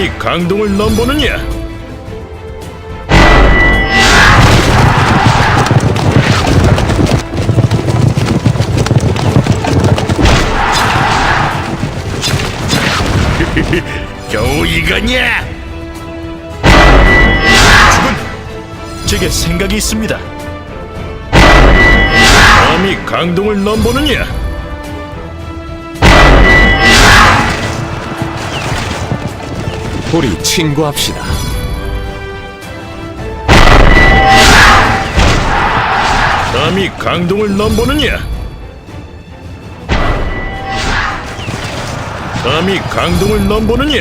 감히 강동을 넘보느냐? 겨우 이거냐? 죽은 제게 생각이 있습니다. 감히 강동을 넘보느냐? 우리 친구합시다. 감히 강동을 넘보느냐? 감히 강동을 넘보느냐?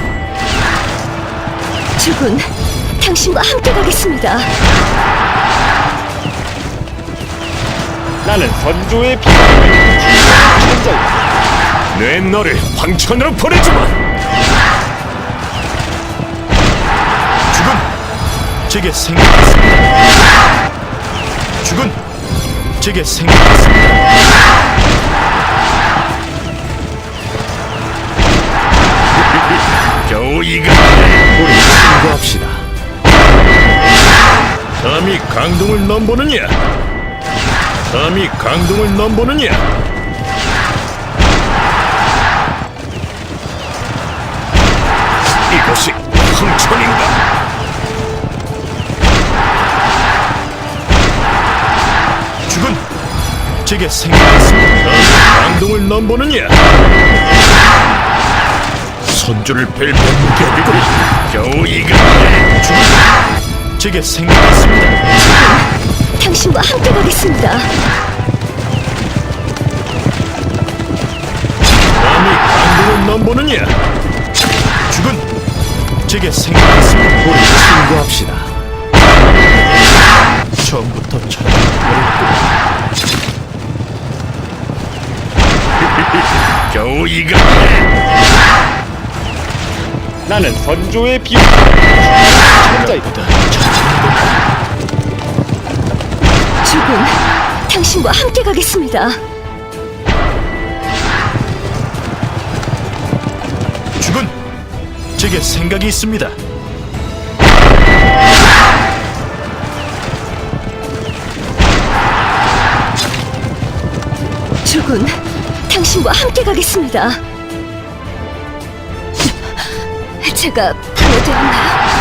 죽은 당신과 함께 가겠습니다. 나는 선조의 비밀을 천자야. 내 너를 황천으로 보내주마. 죽은 제게 생각이 있습니다. 죽은 제게 생각이 있습니다. 겨우 이거 우리 친구합시다. 감히 강동을 넘보느냐? 감히 강동을 넘보느냐? 이것이 황천인가? 죽은 제게 생각이 있습니다. 감히 강동을 넘보느냐? 선주를 뵐 명격이고 겨우 이거 죽은 제게 생각이 있습니다. 당신과 함께 가겠습니다. 감히 강동을 넘보느냐? 죽은 제게 생각이 있습니다. 우리 친구합시다. 처음부터 찾아버렸고 겨우 이거 나는 선조의 비밀을 천자야. 죽은 당신과 함께 가겠습니다. 죽은 제게 생각이 있습니다. 죽은 당신과 함께 가겠습니다. 제가 방해되었나요?